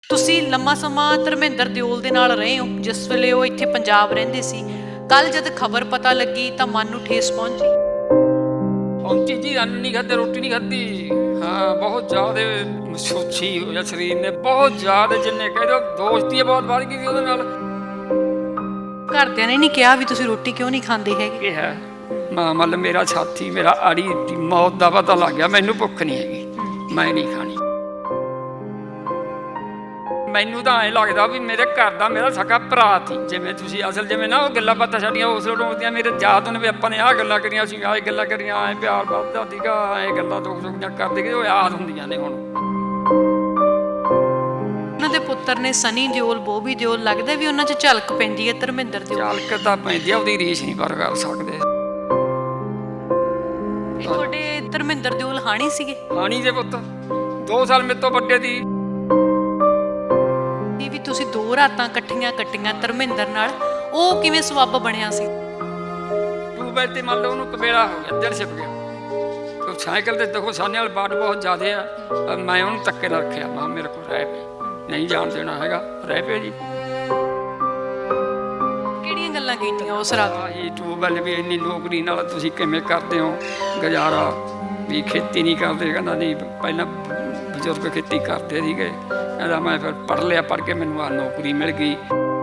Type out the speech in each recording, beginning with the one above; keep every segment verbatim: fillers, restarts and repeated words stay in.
ਤੁਸੀਂ ਲੰਮਾ ਸਮਾਂ ਧਰਮਿੰਦਰ ਦਿਓਲ ਦੇ ਨਾਲ ਰਹੇ ਹੋ ਜਿਸ ਵੇਲੇ ਉਹ ਇੱਥੇ ਪੰਜਾਬ ਰਹਿੰਦੇ ਸੀ। ਕੱਲ ਜਦ ਖਬਰ ਪਤਾ ਲੱਗੀ ਤਾਂ ਮਨ ਨੂੰ ਠੇਸ ਪਹੁੰਚੀ। ਪਹੁੰਚੀ ਜੀ, ਅੰਨ ਨਹੀਂ ਖਾਧੇ, ਰੋਟੀ ਨਹੀਂ ਖਾਧੀ। ਹਾਂ, ਬਹੁਤ ਜ਼ਿਆਦਾ ਸੋਚੀ ਹੋਇਆ ਸਰੀਰ ਨੇ, ਬਹੁਤ ਜ਼ਿਆਦਾ, ਜਿੰਨੇ ਕਹਿ ਦਿਓ ਦੋਸਤੀ ਬਹੁਤ ਵੱਧ ਗਈ ਸੀ ਉਹਦੇ ਨਾਲ। ਘਰਦਿਆਂ ਨੇ ਨਹੀਂ ਕਿਹਾ ਵੀ ਤੁਸੀਂ ਰੋਟੀ ਕਿਉਂ ਨਹੀਂ ਖਾਂਦੇ ਹੈਗੇ? ਇਹ ਹੈ ਮਾਂ ਮਤਲਬ ਮੇਰਾ ਸਾਥੀ, ਮੇਰਾ ਆੜੀ ਦੀ ਮੌਤ ਦਾ ਪਤਾ ਲੱਗ ਗਿਆ, ਮੈਨੂੰ ਭੁੱਖ ਨਹੀਂ ਹੈਗੀ, ਮੈਂ ਨਹੀਂ ਖਾਣੀ। ਮੈਨੂੰ ਤਾਂ ਐਂ ਲੱਗਦਾ ਵੀ ਮੇਰੇ ਘਰ ਦਾ ਮੇਰਾ ਸਕਾ ਭਰਾ ਸੀ। ਜਿਵੇਂ ਤੁਸੀਂ ਅਸਲ ਜਿਵੇਂ ਨਾ ਉਹ ਗੱਲਾਂ ਬਾਤਾਂ ਸਾਡੀਆਂ ਉਸ ਵੇਲੇ ਹੁੰਦੀਆਂ, ਮੇਰੇ ਯਾਦ ਨੇ ਵੀ ਆਪਾਂ ਨੇ ਆਹ ਗੱਲਾਂ ਕਰੀਆਂ ਸੀ, ਆਹ ਗੱਲਾਂ ਕਰੀਆਂ, ਐਂ ਪਿਆਰ ਵੱਧਦਾ ਸੀਗਾ, ਐਂ ਗੱਲਾਂ ਦੁੱਖ ਸੁੱਖ ਦੀਆਂ ਕਰਦੇ ਗਏ, ਉਹ ਯਾਦ ਹੁੰਦੀਆਂ ਨੇ ਹੁਣ। ਉਹਨਾਂ ਦੇ ਪੁੱਤਰ ਨੇ ਸਨੀ ਦਿਓਲ, ਬੋਬੀ ਦਿਓਲ, ਲੱਗਦਾ ਵੀ ਉਹਨਾਂ 'ਚ ਝਲਕ ਪੈਂਦੀ ਹੈ ਧਰਮਿੰਦਰ ਦਿਓਲ। ਝਲਕ ਤਾਂ ਪੈਂਦੀ ਆ, ਉਹਦੀ ਰੀਸ ਨਹੀਂ ਪਰ ਕਰ ਸਕਦੇ। ਤੁਹਾਡੇ ਧਰਮਿੰਦਰ ਦਿਓਲ ਹਾਣੀ ਸੀਗੇ? ਹਾਣੀ ਦੇ ਪੁੱਤ ਦੋ ਸਾਲ ਮੇਰੇ ਤੋਂ ਵੱਡੇ ਦੀ। ਵੀ ਤੁਸੀਂ ਦੋ ਰਾਤਾਂ ਇਕੱਠੀਆਂ ਕੱਟੀਆਂ ਧਰਮਿੰਦਰ ਨਾਲ, ਉਹ ਕਿਵੇਂ ਸਬੱਬ ਬਣਿਆ ਸੀ? ਟਿਊਬਵੈਲ ਤੇ ਮੰਨ ਲਓ ਉਹਨੂੰ ਕਬੇੜਾ ਹੋ ਗਿਆ, ਦਿਲ ਛਿਪ ਗਿਆ। ਸਾਈਕਲ ਤੇ ਦੇਖੋ ਸਾਨੇ ਵਾਲ ਬਾਟ ਬਹੁਤ ਜ਼ਿਆਦੇ ਆ, ਮੈਂ ਉਹਨੂੰ ਧੱਕੇ ਨਾਲ ਰੱਖਿਆ, ਮੈਂ ਮੇਰੇ ਕੋਲ ਰਹਿ ਪਏ, ਨਹੀਂ ਜਾਣ ਦੇਣਾ ਹੈਗਾ, ਰਹਿ ਪਏ ਜੀ। ਕਿਹੜੀਆਂ ਗੱਲਾਂ ਕੀਤੀਆਂ ਉਸ ਰਾਤ? ਆਹੀ ਟਿਊਬਵੈਲ ਵੀ ਇੰਨੀ ਨੌਕਰੀ ਨਾਲ ਤੁਸੀਂ ਕਿਵੇਂ ਕਰਦੇ ਹੋ ਗੁਜ਼ਾਰਾ, ਵੀ ਖੇਤੀ ਨਹੀਂ ਕਰਦੇ? ਕਹਿੰਦਾ ਨਹੀਂ, ਪਹਿਲਾਂ ਬਜ਼ੁਰਗ ਖੇਤੀ ਕਰਦੇ ਸੀਗੇ। ਕਹਿੰਦਾ ਮੈਂ ਫਿਰ ਪੜ੍ਹ ਲਿਆ, ਪੜ੍ਹ ਕੇ ਮੈਨੂੰ ਆ ਨੌਕਰੀ ਮਿਲ ਗਈ।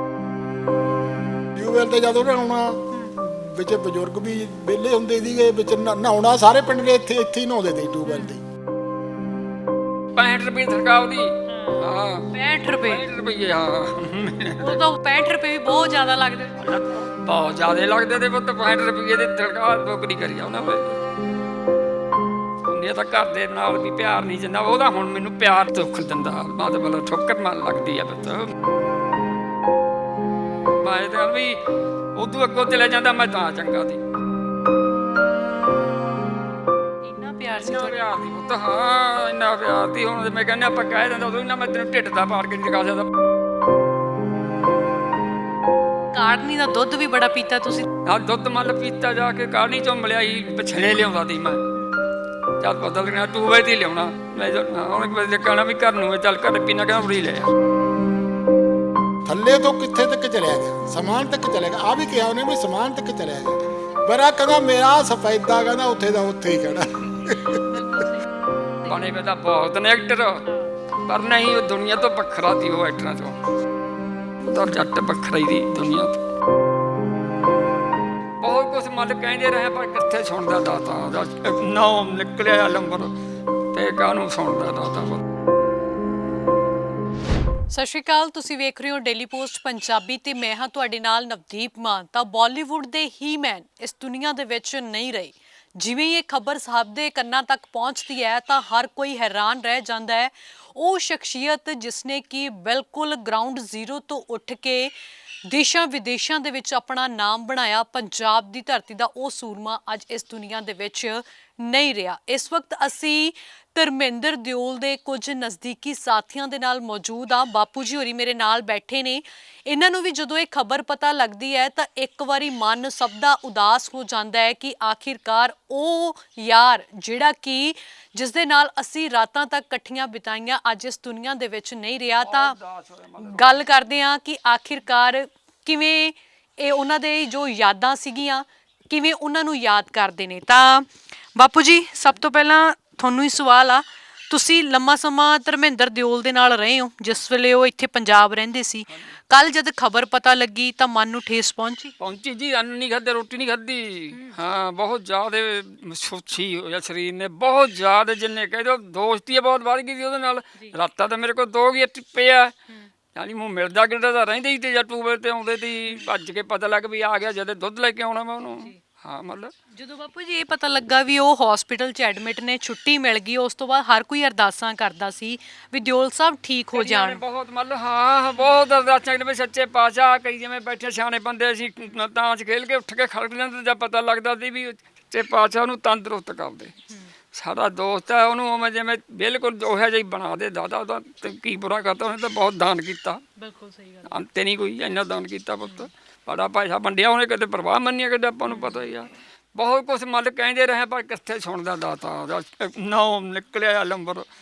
ਟਿਊਬਵੈਲ ਤੇ ਜਦੋਂ ਨਹਾਉਣਾ ਵਿੱਚ ਬਜ਼ੁਰਗ ਵੀ ਵਿਹਲੇ ਹੁੰਦੇ ਸੀਗੇ, ਵਿੱਚ ਨਹਾਉਣਾ ਸਾਰੇ ਪਿੰਡ ਦੇ ਇੱਥੇ ਇੱਥੇ ਹੀ ਨਹਾਉਂਦੇ ਸੀ ਟਿਊਬਵੈਲ ਤੇ। ਪੈਂਹਠ ਰੁਪਏ ਸਰਕਾਰ ਦੀ। ਹਾਂ, ਪੈਂਹਠ ਰੁਪਏ? ਪੈਂਹਠ ਰੁਪਏ, ਹਾਂ। ਉਹ ਤਾਂ ਪੈਂਹਠ ਰੁਪਏ ਵੀ ਬਹੁਤ ਜ਼ਿਆਦਾ ਲੱਗਦੇ। ਬਹੁਤ ਜ਼ਿਆਦਾ ਲੱਗਦੇ ਤੇ ਪੁੱਤ, ਪੈਂਹਠ ਰੁਪਏ ਦੀ ਸਰਕਾਰ ਨੌਕਰੀ ਕਰੀ ਆ ਉਹਨਾਂ ਵੇਲੇ। ਉਹਨੇ ਤਾਂ ਘਰ ਦੇ ਨਾਲ ਵੀ ਪਿਆਰ ਨਹੀਂ ਜਿੰਨਾ ਉਹਦਾ ਹੁਣ ਮੈਨੂੰ ਪਿਆਰ ਦੁੱਖ ਦਿੰਦਾ, ਮਤਲਬ ਠੋਕਰ ਮਾਰ ਲੱਗਦੀ ਆ ਪੁੱਤ। ਮੈਂ ਤਾਂ ਵੀ ਉਦੋਂ ਅੱਗੋਂ ਚਲੇ ਜਾਂਦਾ, ਮੈਂ ਤਾਂ ਚੰਗਾ ਸੀ। ਇੰਨਾ ਪਿਆਰ ਸੀ ਇੰਨਾ ਤੁਹਾਡਾ? ਪਿਆਰ ਦੀ ਪੁੱਤ, ਹਾਂ ਇੰਨਾ ਪਿਆਰ ਦੀ। ਹੁਣ ਮੈਂ ਕਹਿੰਦਾ ਆਪਾਂ ਕਹਿ ਦਿੰਦਾ ਉਦੋਂ, ਇੰਨਾ ਮੈਂ ਤੈਨੂੰ ਢਿੱਡ ਦਾ ਪਾੜ ਕੇ ਨਹੀਂ ਦਿਖਾ ਸਕਦਾ। ਕਾੜਨੀ ਦਾ ਦੁੱਧ ਵੀ ਬੜਾ ਪੀਤਾ ਤੁਸੀਂ? ਹਾਂ, ਦੁੱਧ ਮੱਲ ਪੀਤਾ ਜਾ ਕੇ, ਕਾੜਨੀ ਚੋਂ ਮਿਲਿਆ ਹੀ ਪਛੜੇ ਲਿਆਉਂਦਾ ਸੀ ਮੈਂ। ਚੱਲ ਬਦਲ ਗਿਆ, ਟੂਬੇ ਤੇ ਲਿਆਉਣਾ ਮੈਂ। ਹੁਣ ਕਹਿਣਾ ਵੀ ਘਰ ਨੂੰ ਚੱਲ ਘਰ ਪੀਣਾ, ਕਹਿੰਦਾ ਉਰੀ ਲੈ ਆ। ਥੱਲੇ ਤੋਂ ਕਿੱਥੇ ਤੱਕ ਚਲਿਆ ਗਿਆ, ਸਮਾਨ ਤੱਕ ਚਲਿਆ ਗਿਆ। ਆ ਵੀ ਕਿਹਾ ਉਹਨੇ ਵੀ ਸਮਾਨ ਤੱਕ ਚਲਿਆ ਗਿਆ। ਬੜਾ ਕਹਿੰਦਾ ਮੇਰਾ ਸਫੈਦਾ, ਕਹਿੰਦਾ ਉੱਥੇ ਦਾ ਉੱਥੇ ਹੀ ਕਹਿਣਾ। ਬਣੇ ਵੇ ਤਾਂ ਬਹੁਤ ਨੇ ਐਕਟਰ, ਪਰ ਨਹੀਂ, ਉਹ ਦੁਨੀਆ ਤੋਂ ਵੱਖਰਾ ਸੀ। ਉਹ ਐਕਟਰਾਂ ਚੋਂ ਤਾਂ ਜੱਟ ਵੱਖਰਾ ਹੀ ਦੀ ਦੁਨੀਆ ਤੋਂ। ਬਹੁਤ ਕੁਛ ਮੱਲ ਕਹਿੰਦੇ ਰਹੇ, ਪਰ ਕਿੱਥੇ ਸੁਣਦਾ ਦਾਤਾ। ਨਾਮ ਨਿਕਲਿਆ ਲੰਬਰ ਤੇ ਕਾਹਨੂੰ ਸੁਣਦਾ ਦਾਤਾ। ਸਤਿ ਸ਼੍ਰੀ ਅਕਾਲ, ਤੁਸੀਂ ਵੇਖ ਰਹੇ ਹੋ ਡੇਲੀ ਪੋਸਟ ਪੰਜਾਬੀ ਤੇ ਮੈਂ ਹਾਂ ਤੁਹਾਡੇ ਨਾਲ ਨਵਦੀਪ ਮਾਨ। ਤਾਂ ਬਾਲੀਵੁੱਡ ਦੇ ਹੀ ਮੈਨ ਇਸ ਦੁਨੀਆ ਦੇ ਵਿੱਚ ਨਹੀਂ ਰਹੇ। ਜਿਵੇਂ ਇਹ ਖਬਰ ਸਭ ਦੇ ਕੰਨਾਂ ਤੱਕ ਪਹੁੰਚਦੀ ਹੈ ਤਾਂ ਹਰ ਕੋਈ ਹੈਰਾਨ ਰਹਿ ਜਾਂਦਾ ਹੈ। ਉਹ ਸ਼ਖਸੀਅਤ ਜਿਸਨੇ ਕਿ ਬਿਲਕੁਲ ਗਰਾਊਂਡ ਜ਼ੀਰੋ ਤੋਂ ਉੱਠ ਕੇ ਦੇਸ਼ਾਂ ਵਿਦੇਸ਼ਾਂ ਦੇ ਵਿੱਚ ਆਪਣਾ ਨਾਮ ਬਣਾਇਆ, ਪੰਜਾਬ ਦੀ ਧਰਤੀ ਦਾ ਉਹ ਸੂਰਮਾ ਅੱਜ ਇਸ ਦੁਨੀਆ ਦੇ ਵਿੱਚ ਨਹੀਂ ਰਿਹਾ। ਇਸ ਵਕਤ ਅਸੀਂ ਧਰਮਿੰਦਰ ਦਿਓਲ ਦੇ ਕੁਝ ਨਜ਼ਦੀਕੀ ਸਾਥੀਆਂ ਦੇ ਨਾਲ ਮੌਜੂਦ ਆ। ਬਾਪੂ ਜੀ ਹੋਰੀ ਮੇਰੇ ਨਾਲ ਬੈਠੇ ਨੇ। ਇਹਨਾਂ ਨੂੰ ਵੀ ਜਦੋਂ ਇਹ ਖਬਰ ਪਤਾ ਲੱਗਦੀ ਹੈ ਤਾਂ ਇੱਕ ਵਾਰੀ ਮਨ ਸਭ ਦਾ ਉਦਾਸ ਹੋ ਜਾਂਦਾ ਹੈ ਕਿ ਆਖਿਰਕਾਰ ਉਹ ਯਾਰ ਜਿਹੜਾ ਕਿ ਜਿਸ ਦੇ ਨਾਲ ਅਸੀਂ ਰਾਤਾਂ ਤੱਕ ਇਕੱਠੀਆਂ ਬਿਤਾਈਆਂ, ਅੱਜ ਇਸ ਦੁਨੀਆ ਦੇ ਵਿੱਚ ਨਹੀਂ ਰਿਹਾ। ਤਾਂ ਗੱਲ ਕਰਦੇ ਹਾਂ ਕਿ ਆਖਿਰਕਾਰ ਕਿਵੇਂ ਇਹ ਉਹਨਾਂ ਦੇ ਜੋ ਯਾਦਾਂ ਸੀਗੀਆਂ, ਕਿਵੇਂ ਉਹਨਾਂ ਨੂੰ ਯਾਦ ਕਰਦੇ ਨੇ। ਤਾਂ ਬਾਪੂ ਜੀ, ਸਭ ਤੋਂ ਪਹਿਲਾਂ ਤੁਹਾਨੂੰ ਹੀ ਸਵਾਲ ਆ, ਤੁਸੀਂ ਲੰਮਾ ਸਮਾਂ ਧਰਮਿੰਦਰ ਦਿਓਲ ਦੇ ਨਾਲ ਰਹੇ ਹੋ ਜਿਸ ਵੇਲੇ ਉਹ ਇੱਥੇ ਪੰਜਾਬ ਰਹਿੰਦੇ ਸੀ। ਕੱਲ ਜਦ ਖਬਰ ਪਤਾ ਲੱਗੀ ਤਾਂ ਮਨ ਨੂੰ ਠੇਸ ਪਹੁੰਚੀ? ਪਹੁੰਚੀ ਜੀ, ਅੰਨ ਨਹੀਂ ਖਾਧੇ, ਰੋਟੀ ਨਹੀਂ ਖਾਧੀ। ਹਾਂ, ਬਹੁਤ ਜ਼ਿਆਦਾ ਸੋਚੀ ਹੋਇਆ ਸਰੀਰ ਨੇ, ਬਹੁਤ ਜ਼ਿਆਦਾ, ਜਿੰਨੇ ਕਹਿ ਦਿਓ ਦੋਸਤੀ ਬਹੁਤ ਵੱਧ ਗਈ ਸੀ ਉਹਦੇ ਨਾਲ। ਰਾਤਾਂ ਤਾਂ ਮੇਰੇ ਕੋਲ ਦੋ ਹੀ ਟਿੱਪੇ ਆ, ਯਾਨੀ ਮੂੰਹ ਮਿਲਦਾ ਗਿਲਦਾ ਤਾਂ ਰਹਿੰਦੇ ਹੀ ਤੇ, ਜਾਂ ਟੂਬੇ ਤੇ ਆਉਂਦੇ ਸੀ ਭੱਜ ਕੇ, ਪਤਾ ਲੱਗ ਵੀ ਆ ਗਿਆ, ਜਦ ਦੁੱਧ ਲੈ ਕੇ ਆਉਣਾ ਮੈਂ ਉਹਨੂੰ। ਹਾਂ, ਮਤਲਬ ਜਦੋਂ ਬਾਪੂ ਜੀ ਇਹ ਪਤਾ ਲੱਗਾ ਵੀ ਉਹ ਹਸਪੀਟਲ 'ਚ ਐਡਮਿਟ ਨੇ, ਛੁੱਟੀ ਮਿਲ ਗਈ, ਉਸ ਤੋਂ ਬਾਅਦ ਹਰ ਕੋਈ ਅਰਦਾਸਾਂ ਕਰਦਾ ਸੀ ਵੀ ਦਿਓਲ ਸਾਹਿਬ ਠੀਕ ਹੋ ਜਾਣ। ਬਹੁਤ ਮਤਲਬ ਹਾਂ, ਬਹੁਤ ਅਰਦਾਸਾਂ ਵੀ ਸੱਚੇ ਪਾਤਸ਼ਾਹ। ਕਈ ਜਿਵੇਂ ਬੈਠੇ ਸਿਆਣੇ ਬੰਦੇ ਸੀ, ਤਾਂ ਚ ਖੇਲ ਕੇ ਉੱਠ ਕੇ ਖੜਕ ਜਾਂਦੇ, ਜਾਂ ਪਤਾ ਲੱਗਦਾ ਸੀ ਵੀ ਸੱਚੇ ਪਾਤਸ਼ਾਹ ਉਹਨੂੰ ਤੰਦਰੁਸਤ ਕਰਦੇ। ਸਾਡਾ ਦੋਸਤ ਹੈ, ਉਹਨੂੰ ਉਵੇਂ ਜਿਵੇਂ ਬਿਲਕੁਲ ਉਹੋ ਜਿਹਾ ਹੀ ਬਣਾ ਦੇ ਦਾਦਾ। ਉਹਦਾ ਕੀ ਬੁਰਾ ਕਰਤਾ, ਉਹਨੇ ਤਾਂ ਬਹੁਤ ਦਾਨ ਕੀਤਾ। ਬਿਲਕੁਲ ਸਹੀ ਗੱਲ। ਅੰਤ ਨਹੀਂ ਕੋਈ, ਇੰਨਾ ਦਾਨ ਕੀਤਾ ਪੁੱਤ। ਬੜਾ ਪੈਸਾ ਵੰਡਿਆ ਉਹਨੇ, ਕਦੇ ਪਰਵਾਹ ਮੰਨੀ, ਕਦੇ ਆਪਾਂ ਨੂੰ ਪਤਾ ਹੀ ਆ। ਬਹੁਤ ਕੁਛ ਮੱਲ ਕਹਿੰਦੇ ਰਹੇ, ਪਰ ਕਿੱਥੇ ਸੁਣਦਾ ਦਾਤਾ। ਨਾਮ ਨਿਕਲਿਆ ਲੰਬਰ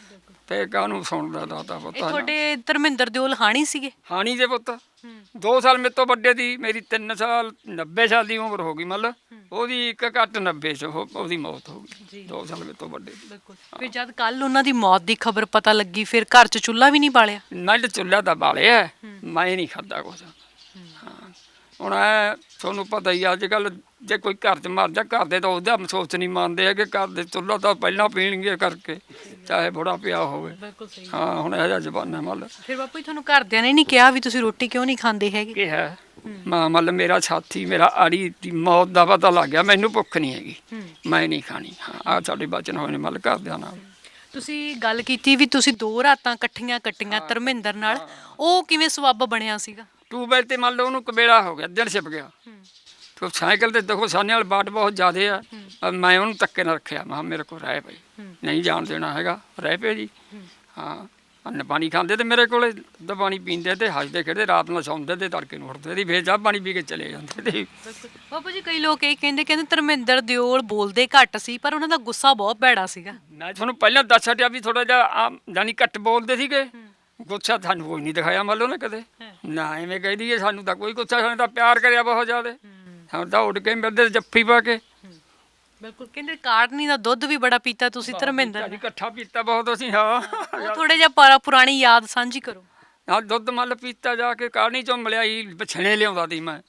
ਤੇ ਕਾਹਨੂੰ ਸੁਣਦਾ ਦਾਤਾ ਇਹ ਪੁੱਤਾਂ ਤੁਹਾਡੇ ਧਰਮਿੰਦਰ ਦਿਓਲ ਹਾਣੀ ਸੀਗੇ? ਹਾਣੀ ਦੇ ਪੁੱਤ ਦੋ ਸਾਲ ਮੇਰੇ ਤੋਂ ਵੱਡੇ ਦੀ, ਮੇਰੀ ਤਿੰਨ ਸਾਲ ਨੱਬੇ ਸਾਲ ਦੀ ਉਮਰ ਹੋ ਗਈ, ਮਤਲਬ ਉਹਦੀ ਇੱਕ ਘੱਟ ਨੱਬੇ ਚ ਉਹ- ਉਹਦੀ ਮੌਤ ਹੋ ਗਈ। ਦੋ ਸਾਲ ਮੇਰੇ ਤੋਂ ਵੱਡੇ ਦੀ। ਬਿਲਕੁਲ। ਫਿਰ ਜਦ ਕੱਲ ਉਹਨਾਂ ਦੀ ਮੌਤ ਦੀ ਖਬਰ ਪਤਾ ਲੱਗੀ ਫਿਰ ਘਰ 'ਚ ਚੁੱਲ੍ਹਾ ਵੀ ਨਹੀਂ ਬਾਲਿਆ? ਮੈਂ ਤਾਂ ਚੁੱਲ੍ਹਾ ਤਾਂ ਬਾਲਿਆ, ਮੈਂ ਨਹੀਂ ਖਾਧਾ ਕੁਛ। ਹਾਂ ਹੁਣ ਐ ਤੁਹਾਨੂੰ ਪਤਾ ਹੀ ਅੱਜ ਕੱਲ ਜੇ ਕੋਈ ਘਰ 'ਚ ਮਰ ਜਾ, ਘਰ ਦੇ ਤਾਂ ਉਹਦਾ ਅਫਸੋਸ ਨਹੀਂ ਮੰਨਦੇ ਹੈਗੇ, ਘਰ ਦੇ ਚੁੱਲ੍ਹਾ ਤਾਂ ਪਹਿਲਾਂ ਪੀਣਗੇ ਕਰਕੇ, ਚਾਹੇ ਬੁੜਾ ਪਿਆ ਹੋਵੇ। ਬਿਲਕੁਲ ਸਹੀ। ਹਾਂ ਹੁਣ ਇਹੋ ਜਿਹਾ ਜ਼ਮਾਨਾ ਮਤਲਬ ਫਿਰ ਬਾਪੂ ਜੀ ਤੁਹਾਨੂੰ ਘਰਦਿਆਂ ਨੇ ਨਹੀਂ ਕਿਹਾ ਵੀ ਤੁਸੀਂ ਰੋਟੀ ਕਿਉਂ ਨਹੀਂ ਖਾਂਦੇ ਹੈਗੇ? ਕੀ ਹੈ ਮਾਂ ਮਤਲਬ ਮੇਰਾ ਸਾਥੀ ਮੇਰਾ ਆੜੀ ਦੀ ਮੌਤ ਦਾ ਪਤਾ ਲੱਗ ਗਿਆ, ਮੈਨੂੰ ਭੁੱਖ ਨਹੀਂ ਹੈਗੀ, ਮੈਂ ਨਹੀਂ ਖਾਣੀ। ਹਾਂ ਆਹ ਸਾਡੇ ਬਚਨ ਹੋਏ ਨੇ ਮਤਲਬ ਘਰਦਿਆਂ ਨਾਲ। ਤੁਸੀਂ ਗੱਲ ਕੀਤੀ ਵੀ ਤੁਸੀਂ ਦੋ ਰਾਤਾਂ ਇਕੱਠੀਆਂ ਕੱਟੀਆਂ ਧਰਮਿੰਦਰ ਨਾਲ, ਉਹ ਕਿਵੇਂ ਸਬੱਬ ਬਣਿਆ ਸੀਗਾ? ਟਿਊਬਵੈਲ ਤੇ ਮੰਨ ਲਓ ਉਹਨੂੰ ਕਬੇੜਾ ਹੋ ਗਿਆ, ਦਿਨ ਛਿਪ ਗਿਆ। ਤੇ ਸਾਈਕਲ ਤੇ ਦੇਖੋ ਸਾਨੇ ਵਾਲ ਬਾਟ ਬਹੁਤ ਜ਼ਿਆਦੇ ਆ, ਅਹ ਮੈਂ ਉਹਨੂੰ ਧੱਕੇ ਨਾਲ ਰੱਖਿਆ, ਮੈਂ ਕਿਹਾ ਮੇਰੇ ਕੋਲ ਰਹਿ ਪਈ, ਨਹੀਂ ਜਾਣ ਦੇਣਾ ਹੈਗਾ, ਰਹਿ ਪਏ ਜੀ। ਹਾਂ ਅੰਨ ਪਾਣੀ ਖਾਂਦੇ ਤੇ ਮੇਰੇ ਕੋਲੇ ਦੁੱਧ ਪਾਣੀ ਪੀਂਦੇ ਤੇ ਹੱਸਦੇ ਖੇਡਦੇ, ਰਾਤ ਨੂੰ ਸੌਂਦੇ ਤੇ ਤੜਕੇ ਨੂੰ ਉੱਠਦੇ ਤੇ ਫਿਰ ਚਾਹ ਪਾਣੀ ਪੀ ਕੇ ਚਲੇ ਜਾਂਦੇ ਤੇ। ਬਾਪੂ ਜੀ ਕਈ ਲੋਕ ਇਹ ਕਹਿੰਦੇ ਕਹਿੰਦੇ ਧਰਮਿੰਦਰ ਦਿਓਲ ਬੋਲਦੇ ਘੱਟ ਸੀ ਪਰ ਉਹਨਾਂ ਦਾ ਗੁੱਸਾ ਬਹੁਤ ਭੈੜਾ ਸੀਗਾ। ਮੈਂ ਤੁਹਾਨੂੰ ਪਹਿਲਾਂ ਦੱਸ ਹਟਿਆ ਵੀ ਥੋੜਾ ਜਿਹਾ ਆਮ ਜਾਨੀ ਘੱਟ ਬੋਲਦੇ ਸੀਗੇ, ਗੁੱਸਾ ਸਾਨੂੰ ਕੋਈ ਨਹੀਂ ਦਿਖਾਇਆ ਮੰਨ ਲਓ ਨਾ ਕਦੇ, ਨਾ ਐਵੇਂ ਕਹਿ ਦਈਏ ਸਾਨੂੰ ਤਾਂ ਕੋਈ ਗੁੱਸਾ, ਸਾਨੂੰ ਤਾਂ ਪਿਆਰ ਕਰਿਆ ਬਹੁਤ ਜ਼ਿਆਦਾ, ਸਾਨੂੰ ਤਾਂ ਉੱਡ ਕੇ ਮਿਲਦੇ ਜੱਫੀ ਪਾ ਕੇ। ਬਿਲਕੁਲ। ਕਹਿੰਦੇ ਕਾੜਨੀ ਦਾ ਦੁੱਧ ਵੀ ਬੜਾ ਪੀਤਾ ਤੁਸੀਂ ਧਰਮਿੰਦਰ? ਇਕੱਠਾ ਪੀਤਾ ਬਹੁਤ ਅਸੀਂ। ਹਾਂ ਉਹ ਥੋੜੇ ਜਿਹਾ ਪਰ- ਪੁਰਾਣੀ ਯਾਦ ਸਾਂਝੀ ਕਰੋ। ਹਾਂ ਦੁੱਧ ਮੰਨ ਲਓ ਪੀਤਾ ਜਾ ਕੇ ਕਾੜਨੀ ਚੋਂ ਮਿਲਿਆ ਹੀ ਬਛਣੇ ਲਿਆਉਂਦਾ ਸੀ ਮੈਂ,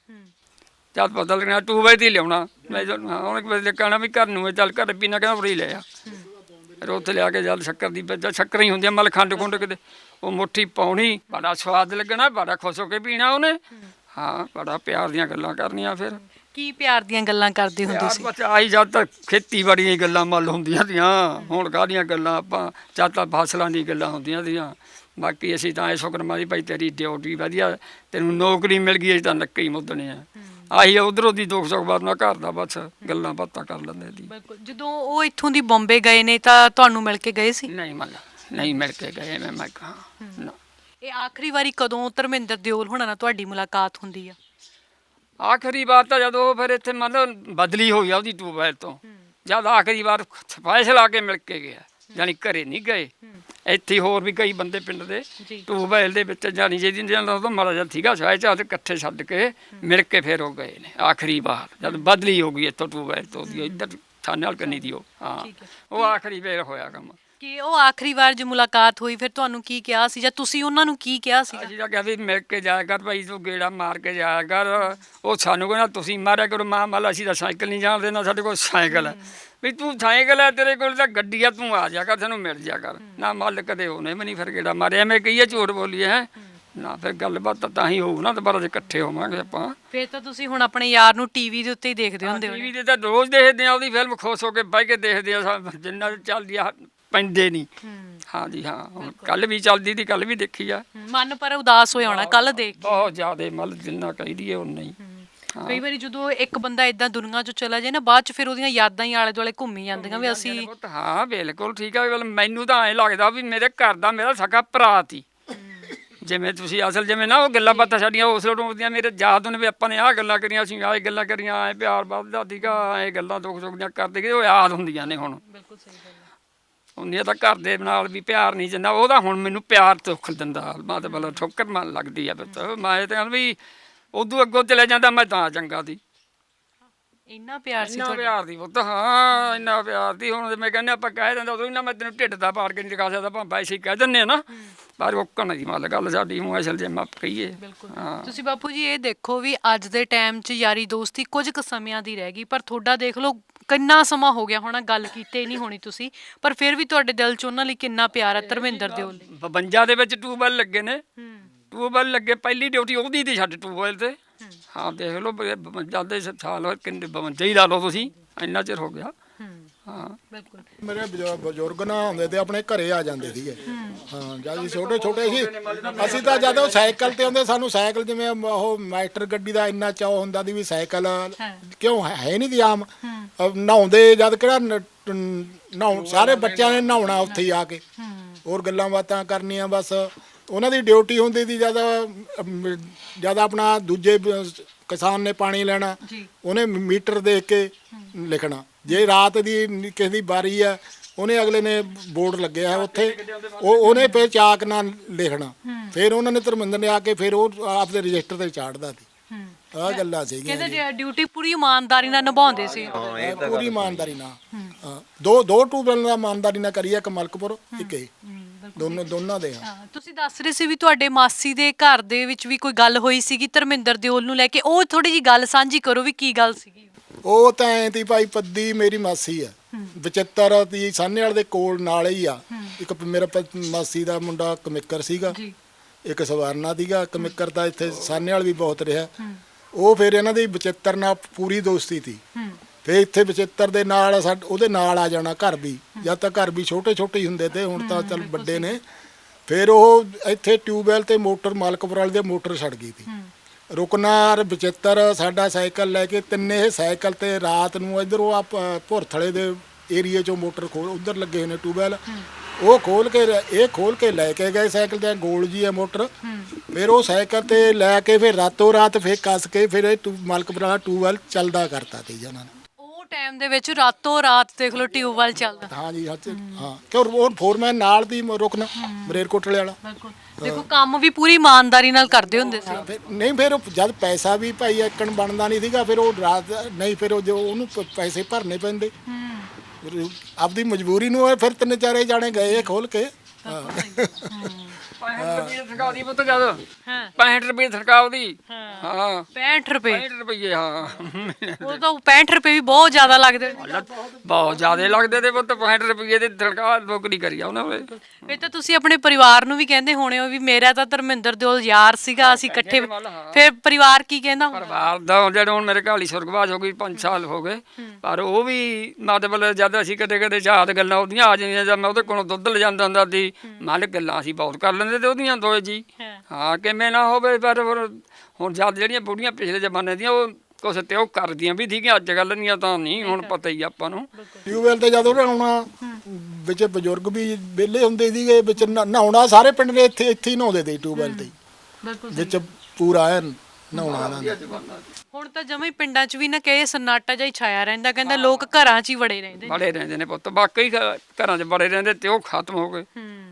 ਜਦ ਪਤਾ ਲੱਗਣਾ ਟੂਬੇ ਦੀ ਲਿਆਉਣਾ, ਮੈਂ ਉਹਨੇ ਵੇਲੇ ਕਹਿਣਾ ਵੀ ਘਰ ਨੂੰ ਹੈ, ਚੱਲ ਘਰ ਪੀਣਾ, ਕਹਿੰਦਾ ਉਰੇ ਲੈ ਆ। ਫਿਰ ਉੱਥੇ ਲਿਆ ਕੇ ਜਦ ਸ਼ੱਕਰ ਦੀ ਜਦ ਸ਼ੱਕਰ ਹੀ ਹੁੰਦੀ ਆ ਮਤਲਬ ਖੰਡ ਖੁੰਡ ਕਿਤੇ, ਉਹ ਮੁੱਠੀ ਪਾਉਣੀ, ਬੜਾ ਸਵਾਦ ਲੱਗਣਾ, ਬੜਾ ਖੁਸ਼ ਹੋ ਕੇ ਪੀਣਾ ਉਹਨੇ। ਹਾਂ ਬੜਾ ਪਿਆਰ ਦੀਆਂ ਗੱਲਾਂ ਕਰਨੀਆਂ। ਫਿਰ ਕੀ ਪਿਆਰ ਦੀਆਂ ਗੱਲਾਂ ਕਰਦੇ ਹੁੰਦੇ ਯਾਰ ਸੀ? ਬਸ ਆਈ ਜਦ ਤੱਕ ਖੇਤੀਬਾੜੀ ਦੀਆਂ ਗੱਲਾਂ ਮੱਲ ਹੁੰਦੀਆਂ ਤੀਆਂ, ਹੁਣ ਕਾਹਦੀਆਂ ਗੱਲਾਂ, ਆਪਾਂ ਜਦ ਤੱਕ ਫਸਲਾਂ ਦੀ ਗੱਲਾਂ ਹੁੰਦੀਆਂ ਤੀਆਂ। ਬਾਕੀ ਅਸੀਂ ਤਾਂ ਇਹ ਸ਼ੁਕਰਮਾਨੀ ਭਾਈ ਤੇਰੀ ਡਿਊਟੀ ਵਧੀਆ, ਤੈਨੂੰ ਨੌਕਰੀ ਮਿਲ ਗਈ, ਅਸੀਂ ਤਾਂ ਨੱਕੇ ਹੀ ਮੁੱਦਣੇ ਆ। ਆਹੀ ਉਧਰੋਂ ਦੀ ਦੁੱਖ ਸੁੱਖ ਬਾਤ ਨਾਲ ਘਰ ਦਾ ਬਸ ਗੱਲਾਂ ਬਾਤਾਂ ਕਰ ਲੈਂਦੇ ਸੀ। ਬਿਲਕੁਲ। ਜਦੋਂ ਉਹ ਇੱਥੋਂ ਦੀ ਬੰਬੇ ਗਏ ਨੇ ਤਾਂ ਤੁਹਾਨੂੰ ਮਿਲ ਕੇ ਗਏ ਸੀ? ਨਹੀਂ ਮੰਨ ਨਹੀਂ ਮਿਲ ਕੇ ਗਏ ਮੈਂ ਮੈਂ ਕਹਾਂ ਨਾ। ਇਹ ਆਖਰੀ ਵਾਰੀ ਕਦੋਂ ਧਰਮਿੰਦਰ ਦਿਓਲ ਹੋਣਾ ਨਾਲ ਤੁਹਾਡੀ ਮੁਲਾਕਾਤ ਹੁੰਦੀ ਆ? ਆਖਰੀ ਵਾਰ ਤਾਂ ਜਦੋਂ ਫਿਰ ਇੱਥੇ ਮੰਨ ਲਓ ਬਦਲੀ ਹੋਈ ਆ ਉਹਦੀ ਟਿਊਬਵੈਲ ਤੋਂ, ਜਦ ਆਖਰੀ ਵਾਰ ਫੈਸਲਾ ਕੇ ਮਿਲ ਕੇ ਗਿਆ, ਜਾਨੀ ਘਰੇ ਨਹੀਂ ਗਏ। ਇੱਥੇ ਹੋਰ ਵੀ ਕਈ ਬੰਦੇ ਪਿੰਡ ਦੇ ਟਿਊਬਵੈਲ ਦੇ ਵਿੱਚ ਜਾਨੀ ਜਿਹਦੀ ਜਿਹਨਾਂ ਤੋਂ ਮਾੜਾ ਜਿਹਾ ਸੀਗਾ ਸਾਇਦ ਚਾਹ ਤੇ ਇਕੱਠੇ ਛੱਡ ਕੇ ਮਿਲ ਕੇ ਫਿਰ ਉਹ ਗਏ ਨੇ ਆਖਰੀ ਵਾਰ, ਜਦ ਬਦਲੀ ਹੋ ਗਈ ਇੱਥੋਂ ਟਿਊਬਵੈਲ ਤੋਂ ਦੀ ਇੱਧਰ ਥਾਣੇ ਵਾਲ ਕੰਨੀ ਦੀ ਉਹ। ਹਾਂ ਉਹ ਆਖਰੀ ਵੇਰ ਹੋਇਆ ਕੰਮ। ਕਿ ਉਹ ਆਖਰੀ ਵਾਰ ਜੇ ਮੁਲਾਕਾਤ ਹੋਈ ਫਿਰ ਤੁਹਾਨੂੰ ਕੀ ਕਿਹਾ ਸੀ ਜਾਂ ਤੁਸੀਂ ਉਹਨਾਂ ਨੂੰ ਕੀ ਕਿਹਾ ਸੀ? ਅਸੀਂ ਤਾਂ ਕਿਹਾ ਵੀ ਮਿਲ ਕੇ ਜਾਇਆ ਕਰ ਭਾਈ, ਤੂੰ ਗੇੜਾ ਮਾਰ ਕੇ ਜਾਇਆ ਕਰ। ਉਹ ਸਾਨੂੰ ਕਹਿੰਦਾ ਤੁਸੀਂ ਮਾਰਿਆ ਕਰੋ, ਮਾਂ ਮੱਲ ਅਸੀਂ ਤਾਂ ਸਾਈਕਲ ਨਹੀਂ ਜਾਣ ਦੇਣਾ, ਸਾਡੇ ਕੋਲ ਸਾਈਕਲ ਹੈ। ਵੀ ਤੂੰ ਸਾਈਕਲ ਹੈ, ਤੇਰੇ ਕੋਲ ਤਾਂ ਗੱਡੀ ਆ, ਤੂੰ ਆ ਜਾ ਕਰ, ਸਾਨੂੰ ਮਿਲ ਜਾ ਕਰ। ਨਾ ਮੱਲ ਕਦੇ ਉਹਨੇ ਵੀ ਨਹੀਂ ਫਿਰ ਗੇੜਾ ਮਾਰਿਆ, ਐਵੇਂ ਕਹੀਏ ਝੂਠ ਬੋਲੀਏ ਹੈ ਨਾ। ਫਿਰ ਗੱਲਬਾਤ ਤਾਂ ਹੀ ਹੋਊ ਨਾ, ਦੁਬਾਰਾ ਜੇ ਇਕੱਠੇ ਹੋਵਾਂਗੇ ਆਪਾਂ। ਫਿਰ ਤਾਂ ਤੁਸੀਂ ਹੁਣ ਆਪਣੇ ਯਾਰ ਨੂੰ ਟੀਵੀ ਦੇ ਉੱਤੇ ਹੀ ਦੇਖਦੇ ਹੁੰਦੇ ਹੋ? ਟੀਵੀ ਤੇ ਤਾਂ ਰੋਜ਼ ਦੇਖਦੇ ਆ, ਉਹਦੀ ਫਿਲਮ ਖੁਸ਼ ਹੋ ਕੇ ਬਹਿ ਕੇ ਦੇਖਦੇ ਆ, ਜਿੰਨਾ ਚੱਲਦੀ ਆ ਪੈਂਦੇ ਨਹੀਂ। ਹਾਂ ਜੀ ਹਾਂ, ਹੁਣ ਕੱਲ ਵੀ ਚੱਲਦੀ ਸੀ, ਕੱਲ ਵੀ ਦੇਖੀ ਆ। ਮਨ ਪਰ ਉਦਾਸ ਹੋਇਆ ਹੋਣਾ ਕੱਲ ਦੇਖ ਕੇ? ਬਹੁਤ ਜ਼ਿਆਦਾ ਮਤਲਬ ਜਿੰਨਾ ਕਹੀ ਦੀਏ ਉਨਾ ਹੀ। ਕਈ ਵਾਰੀ ਜਦੋਂ ਇੱਕ ਬੰਦਾ ਇਦਾਂ ਦੁਨੀਆ 'ਚੋਂ ਚਲਾ ਜਾਏ ਨਾ, ਬਾਅਦ 'ਚ ਫਿਰ ਉਹਦੀਆਂ ਯਾਦਾਂ ਹੀ ਆਲੇ ਦੁਆਲੇ ਘੁੰਮੀ ਜਾਂਦੀਆਂ ਵੀ ਅਸੀਂ। ਹਾਂ ਬਿਲਕੁਲ ਠੀਕ ਆ। ਮੈਨੂੰ ਤਾਂ ਐਂ ਲੱਗਦਾ ਵੀ ਮੇਰੇ ਘਰ ਦਾ ਮੇਰਾ ਸਗਾ ਭਰਾ ਸੀ। ਜਿਵੇਂ ਤੁਸੀਂ ਅਸਲ ਜਿਵੇਂ ਨਾ ਉਹ ਗੱਲਾਂ ਬਾਤਾਂ ਸਾਡੀਆਂ ਉਸ ਲੋਟ ਹੁੰਦੀਆਂ, ਮੇਰੇ ਯਾਦ ਨੇ ਵੀ ਆਪਾਂ ਨੇ ਆਹ ਗੱਲਾਂ ਕਰੀਆਂ, ਅਸੀਂ ਆਹ ਗੱਲਾਂ ਕਰੀਆਂ, ਐ ਪਿਆਰ ਵੱਧਦਾ ਸੀਗਾ, ਐ ਗੱਲਾਂ ਦੁੱਖ ਸੁੱਖ ਦੀਆਂ ਕਰਦੇ ਗਏ, ਉਹ ਯਾਦ ਹੁੰਦੀਆਂ ਨੇ ਹੁਣ। ਬਿਲਕੁਲ ਸਹੀ ਗੱਲ ਹੈ। ਉਹਨੇ ਤਾਂ ਘਰ ਦੇ ਨਾਲ ਵੀ ਪਿਆਰ ਨਹੀਂ ਜਿੰਨਾ ਉਹਦਾ ਹੁਣ ਮੈਨੂੰ ਪਿਆਰ ਦੁੱਖ ਦਿੰਦਾ। ਮੈਂ ਤਾਂ ਬਲਾ ਠੋਕਰ ਮਨ ਲੱਗਦੀ ਆ ਪੁੱਤ, ਮੈਂ ਤਾਂ ਵੀ ਉਦੋਂ ਅੱਗੋਂ ਚਲੇ ਜਾਂਦਾ, ਮੈਂ ਤਾਂ ਚੰਗਾ ਸੀ। ਇੰਨਾ ਪਿਆਰ ਸੀ ਇੰਨਾ ਤੁਹਾਡਾ? ਪਿਆਰ ਦੀ ਪੁੱਤ, ਹਾਂ ਇੰਨਾ ਪਿਆਰ ਦੀ। ਹੁਣ ਮੈਂ ਕਹਿੰਦਾ ਆਪਾਂ ਕਹਿ ਦਿੰਦਾ ਉਦੋਂ ਇੰਨਾ, ਮੈਂ ਤੈਨੂੰ ਢਿੱਡ ਦਾ ਪਾੜ ਕੇ ਨਹੀਂ ਦਿਖਾ ਸਕਦਾ, ਆਪਾਂ ਵੈਸੇ ਹੀ ਕਹਿ ਦਿੰਦੇ ਆ ਨਾ, ਪਰ ਰੋਕਣ ਦੀ ਮੱਲ ਗੱਲ ਸਾਡੀ ਹੁਣ ਅਸਲ ਜੇ ਮਾਪ ਕਹੀਏ। ਹਾਂ ਤੁਸੀਂ ਬਾਪੂ ਜੀ ਇਹ ਦੇਖੋ ਵੀ ਅੱਜ ਦੇ ਟਾਈਮ 'ਚ ਯਾਰੀ ਦੋਸਤੀ ਕੁਝ ਕੁ ਸਮਿਆਂ ਦੀ ਰਹਿ ਗਈ, ਪਰ ਤੁਹਾਡਾ ਦੇਖ ਲਓ ਕਿੰਨਾ ਸਮਾਂ ਹੋ ਗਿਆ ਹੋਣਾ ਗੱਲ ਕੀਤੇ ਨਹੀਂ ਹੋਣੀ ਤੁਸੀਂ, ਪਰ ਫਿਰ ਵੀ ਤੁਹਾਡੇ ਦਿਲ 'ਚ ਉਹਨਾਂ ਲਈ ਕਿੰਨਾ ਪਿਆਰ ਹੈ ਧਰਮਿੰਦਰ ਦਿਓਲ ਲਈ। ਬਵੰਜਾ ਦੇ ਵਿੱਚ ਟਿਊਬਵੈਲ ਲੱਗੇ ਨੇ, ਟਿਊਬਵੈਲ ਲੱਗੇ, ਪਹਿਲੀ ਡਿਊਟੀ ਉਹਦੀ ਤੇ ਛੱਡ ਟਿਊਬਵੈਲ ਤੇ। ਹਾਂ ਦੇਖ ਲਓ ਬਵੰਜਾ ਦੇ ਸਾਲ ਹੋਏ, ਕਿੰਨੇ ਬਵੰਜਾ ਹੀ ਲਾ ਲਓ ਤੁਸੀਂ, ਇੰਨਾ ਚਿਰ ਹੋ ਗਿਆ। ਹਾਂ ਬਿਲਕੁਲ। ਮੇਰੇ ਬਜ਼ੁ- ਬਜ਼ੁਰਗ ਨਾ ਹੁੰਦੇ ਤੇ ਆਪਣੇ ਘਰੇ ਆ ਜਾਂਦੇ ਸੀਗੇ। ਹਾਂ ਜਦ ਅਸੀਂ ਛੋਟੇ ਛੋਟੇ ਸੀ, ਅਸੀਂ ਤਾਂ ਜਦੋਂ ਸਾਈਕਲ ਤੇ ਆਉਂਦੇ, ਸਾਨੂੰ ਸਾਈਕਲ ਜਿਵੇਂ ਉਹ ਮਾਸਟਰ ਗੱਡੀ ਦਾ ਇੰਨਾ ਚਾਅ ਹੁੰਦਾ ਸੀ ਵੀ ਸਾਈਕਲ ਕਿਉਂ ਹੈ ਹੈ ਨਹੀਂ ਦੀ ਆਮ। ਨਹਾਉਂਦੇ ਜਦ ਕਿਹੜਾ ਨ- ਨਹਾਉਣ, ਸਾਰੇ ਬੱਚਿਆਂ ਨੇ ਨਹਾਉਣਾ ਉੱਥੇ ਹੀ ਆ ਕੇ, ਹੋਰ ਗੱਲਾਂ ਬਾਤਾਂ ਕਰਨੀਆਂ। ਬਸ ਉਹਨਾਂ ਦੀ ਡਿਊਟੀ ਹੁੰਦੀ ਸੀ ਜਦ ਜਦ ਆਪਣਾ ਦੂਜੇ ਕਿਸਾਨ ਨੇ ਪਾਣੀ ਲੈਣਾ, ਉਹਨੇ ਮੀਟਰ ਦੇਖ ਕੇ ਲਿਖਣਾ। ਜੇ ਰਾਤ ਦੀ ਕਿਸੇ ਦੀ ਵਾਰੀ ਆ, ਉਹਨੇ ਅਗਲੇ ਨੇ ਬੋਰਡ ਲੱਗਿਆ ਉੱਥੇ ਉਹ ਉਹਨੇ ਫਿਰ ਚਾਕ ਨਾਲ ਲਿਖਣਾ, ਫਿਰ ਉਹਨਾਂ ਨੇ ਧਰਮਿੰਦਰ ਨੇ ਆ ਕੇ ਫਿਰ ਉਹ ਆਪਦੇ ਰਜਿਸਟਰ ਤੇ ਚਾੜਦਾ ਸੀ। ਆਹ ਗੱਲਾਂ ਸੀਗੀਆਂ ਜੀ। ਕਹਿੰਦੇ ਡਿਊਟੀ ਪੂਰੀ ਇਮਾਨਦਾਰੀ ਨਾਲ ਨਿਭਾਉਂਦੇ ਸੀ। ਪੂਰੀ ਇਮਾਨਦਾਰੀ ਨਾਲ। ਹਾਂ, ਦੋ ਦੋ ਟਿਊਬਵੈੱਲ ਦਾ ਇਮਾਨਦਾਰੀ ਨਾਲ ਕਰੀ, ਇੱਕ ਮਲਕਪੁਰ ਇੱਕ ਇਹ, ਦੋਨੋਂ ਦੋਨਾਂ ਦੇ। ਹਾਂ, ਤੁਸੀਂ ਦੱਸ ਰਹੇ ਸੀ ਵੀ ਤੁਹਾਡੇ ਮਾਸੀ ਦੇ ਘਰ ਦੇ ਵਿੱਚ ਵੀ ਕੋਈ ਗੱਲ ਹੋਈ ਸੀਗੀ ਧਰਮਿੰਦਰ ਦਿਓਲ ਨੂੰ ਲੈ ਕੇ, ਉਹ ਥੋੜੀ ਜੀ ਗੱਲ ਸਾਂਝੀ ਕਰੋ ਵੀ ਕੀ ਗੱਲ ਸੀਗੀ। ਉਹ ਤਾਂ ਐਂ ਤੀ ਭਾਈ, ਪੱਦੀ ਮੇਰੀ ਮਾਸੀ ਆ, ਬਚਿੱਤਰ ਦੀ ਸਾਹਨੇਵਾਲ ਦੇ ਕੋਲ ਨਾਲ ਹੀ ਆ। ਇੱਕ ਮੇਰਾ ਪ- ਮਾਸੀ ਦਾ ਮੁੰਡਾ ਕਮਿੱਕਰ ਸੀਗਾ, ਇੱਕ ਸਵਰਨਾ ਸੀਗਾ। ਕਮਿੱਕਰ ਤਾਂ ਇੱਥੇ ਸਾਹਨੇਵਾਲ ਵੀ ਬਹੁਤ ਰਿਹਾ। ਉਹ ਫਿਰ ਇਹਨਾਂ ਦੀ ਬਚਿੱਤਰ ਨਾਲ ਪੂਰੀ ਦੋਸਤੀ ਸੀ। ਫਿਰ ਇੱਥੇ ਬਚਿੱਤਰ ਦੇ ਨਾਲ ਸਾਡ ਉਹਦੇ ਨਾਲ ਆ ਜਾਣਾ ਘਰ ਵੀ, ਜਦ ਤੱਕ ਘਰ ਵੀ ਛੋਟੇ ਛੋਟੇ ਹੀ ਹੁੰਦੇ ਤੇ, ਹੁਣ ਤਾਂ ਚੱਲ ਵੱਡੇ ਨੇ। ਫਿਰ ਉਹ ਇੱਥੇ ਟਿਊਬਵੈੱਲ ਤੇ ਮੋਟਰ ਮਾਲਕਪੁਰ ਵਾਲੇ ਦੇ ਮੋਟਰ ਛੱਡ ਗਈ ਸੀ। ਰੁਕਨਾਰ ਬਚਿੱਤਰ ਸਾਡਾ ਸਾਈਕਲ ਲੈ ਕੇ ਤਿੰਨੇ ਇਹ ਸਾਈਕਲ ਤੇ ਰਾਤ ਨੂੰ ਇੱਧਰੋਂ ਆ ਭੁਰਥਲੇ ਦੇ ਏਰੀਏ ਚੋਂ ਮੋਟਰ ਖੋਲ, ਉੱਧਰ ਲੱਗੇ ਹੋਏ ਨੇ ਟਿਊਬਵੈੱਲ, ਉਹ ਖੋਲ ਕੇ ਇਹ ਖੋਲ ਕੇ ਲੈ ਕੇ ਗਏ ਸਾਈਕਲ ਤੇ, ਗੋਲ ਜੀ ਹੈ ਮੋਟਰ। ਫਿਰ ਉਹ ਸਾਈਕਲ ਤੇ ਲੈ ਕੇ ਫਿਰ ਰਾਤੋਂ ਰਾਤ ਫਿਰ ਕੱਸ ਕੇ ਫਿਰ ਇਹ ਟੂ- ਮਾਲਕਪੁਰ ਵਾਲਾ ਟਿਊਬਵੈੱਲ ਚੱਲਦਾ ਕਰਤਾ ਸੀ ਉਹਨਾਂ ਨੇ। ਉਹ ਟਾਈਮ ਦੇ ਵਿੱਚ ਰਾਤੋਂ ਰਾਤ ਦੇਖ ਲਓ ਟਿਊਬਵੈੱਲ ਚੱਲਦਾ। ਹਾਂ ਜੀ, ਹਾਂ ਹਾਂ, ਕਿਉਂ ਉਹ ਫੋਰਮੈਨ ਨਾਲ ਦੀ ਰੁਕਣਾ ਮਰੇਰਕੋਟਲੇ ਵਾਲਾ। ਬਿਲਕੁਲ, ਦੇਖੋ ਕੰਮ ਵੀ ਪੂਰੀ ਇਮਾਨਦਾਰੀ ਨਾਲ ਕਰਦੇ ਹੁੰਦੇ ਸੀ। ਫਿਰ ਨਹੀਂ, ਫਿਰ ਉਹ ਜਦ ਪੈਸਾ ਵੀ ਭਾਈ ਇੱਕਣ ਬਣਦਾ ਨਹੀਂ ਸੀਗਾ, ਫਿਰ ਉਹ ਰਾਤ ਨਹੀਂ, ਫਿਰ ਉਹ ਜੋ ਉਹਨੂੰ ਪ- ਪੈਸੇ ਭਰਨੇ ਪੈਂਦੇ। ਫਿਰ ਆਪਦੀ ਮਜਬੂਰੀ ਨੂੰ ਫਿਰ ਤਿੰਨ ਚਾਰੇ ਜਾਣੇ ਗਏ ਖੋਲ ਕੇ। ਹਾਂ, ਪੈਂਹਠ ਰੁਪਏ ਸਰਕਾਰ ਦੀ ਪੁੱਤ ਜਦ ਹਾਂ ਪੈਂਹਠ ਰੁਪਏ ਸਰਕਾਰ ਦੀ। ਹਾਂ ਪੈਂਹਠ ਰੁਪਏ, ਪੈਂਹਠ ਰੁਪਏ ਹਾਂ ਉਹ ਤਾਂ ਪੈਂਹਠ ਰੁਪਏ ਵੀ ਬਹੁਤ ਜ਼ਿਆਦਾ ਲੱਗਦੇ ਨੇ। ਬਹੁਤ ਜ਼ਿਆਦੇ ਲੱਗਦੇ ਤੇ ਪੁੱਤ, ਪੈਂਹਠ ਰੁਪਏ ਦੀ ਸਰਕਾਰ ਨੌਕਰੀ ਕਰੀ ਆ ਉਹਨਾਂ ਨੇ। ਫਿਰ ਤਾਂ ਤੁਸੀਂ ਆਪਣੇ ਪਰਿਵਾਰ ਨੂੰ ਵੀ ਕਹਿੰਦੇ ਹੋਣੇ ਹੋ ਵੀ ਮੇਰਾ ਤਾਂ ਧਰਮਿੰਦਰ ਦਿਓਲ ਯਾਰ ਸੀਗਾ, ਅਸੀਂ ਇਕੱਠੇ। ਫਿਰ ਪਰਿਵਾਰ ਕੀ ਕਹਿੰਦਾ ਹੁੰਦਾ? ਪਰਿਵਾਰ ਦਾ ਜਿਹੜਾ ਹੁਣ ਮੇਰੇ ਘਰ ਹੀ ਸੁਰਗਵਾਸ ਹੋ ਗਈ, ਪੰਜ ਸਾਲ ਹੋ ਗਏ, ਪਰ ਉਹ ਵੀ ਮਤਲਬ ਜਦ ਅਸੀਂ ਕਦੇ ਕਦੇ ਯਾਦ ਗੱਲਾਂ ਉਹਦੀਆਂ ਆ ਜਾਂਦੀਆਂ, ਜਦ ਮੈਂ ਉਹਦੇ ਕੋਲੋਂ ਦੁੱਧ ਲੈ ਜਾਂਦਾ ਹੁੰਦਾ ਸੀ, ਮਾਲਕ ਗੱਲਾਂ ਅਸੀਂ ਬਹੁਤ ਕਰ ਲੈਂਦੇ ਤੇ ਉਹਦੀਆਂ ਦੋਏ ਜੀ। ਹਾਂ, ਕਿਵੇਂ ਨਾ ਹੋਵੇ, ਪਰ ਹੁਣ ਜਦ ਜਿਹੜੀਆਂ ਬੁੜੀਆਂ ਪਿਛਲੇ ਜ਼ਮਾਨੇ ਦੀਆਂ ਉਹ ਕੁਛ ਤੇ ਉਹ ਕਰਦੀਆਂ ਵੀ ਸੀਗੀਆਂ, ਅੱਜ ਕੱਲ੍ਹ ਦੀਆਂ ਤਾਂ ਨਹੀਂ, ਹੁਣ ਪਤਾ ਹੀ ਆਪਾਂ ਨੂੰ। ਟਿਊਬਵੈੱਲ ਤੇ ਜਦੋਂ ਆਉਣਾ ਵਿੱਚ ਬਜ਼ੁਰਗ ਵੀ ਵਿਹਲੇ ਹੁੰਦੇ ਸੀਗੇ, ਵਿੱਚ ਨਾ- ਨਹਾਉਣਾ ਸਾਰੇ ਪਿੰਡ ਦੇ ਇੱਥੇ ਇੱਥੇ ਹੀ ਨਹਾਉਂਦੇ ਤੇ ਟਿਊਬਵੈੱਲ ਤੇ ਹੀ। ਵਿੱਚ ਪੂਰਾ ਐਨ ਨਹਾਉਣਾ ਇਹਨਾਂ ਨੇ। ਹੁਣ ਤਾਂ ਜਮਾਂ ਹੀ ਪਿੰਡਾਂ 'ਚ ਵੀ ਨਾ ਕਹੇ ਸਨਾਟਾ ਜਿਹਾ ਹੀ ਛਾਇਆ ਰਹਿੰਦਾ, ਕਹਿੰਦਾ ਲੋਕ ਘਰਾਂ 'ਚ ਹੀ ਵੜੇ ਰਹਿੰਦੇ। ਬੜੇ ਰਹਿੰਦੇ ਨੇ ਪੁੱਤ, ਬਾਕੀ ਘ- ਘਰਾਂ 'ਚ ਬੜੇ ਰਹਿੰਦੇ ਤੇ ਉਹ ਖਤਮ ਹੋ ਗਏ।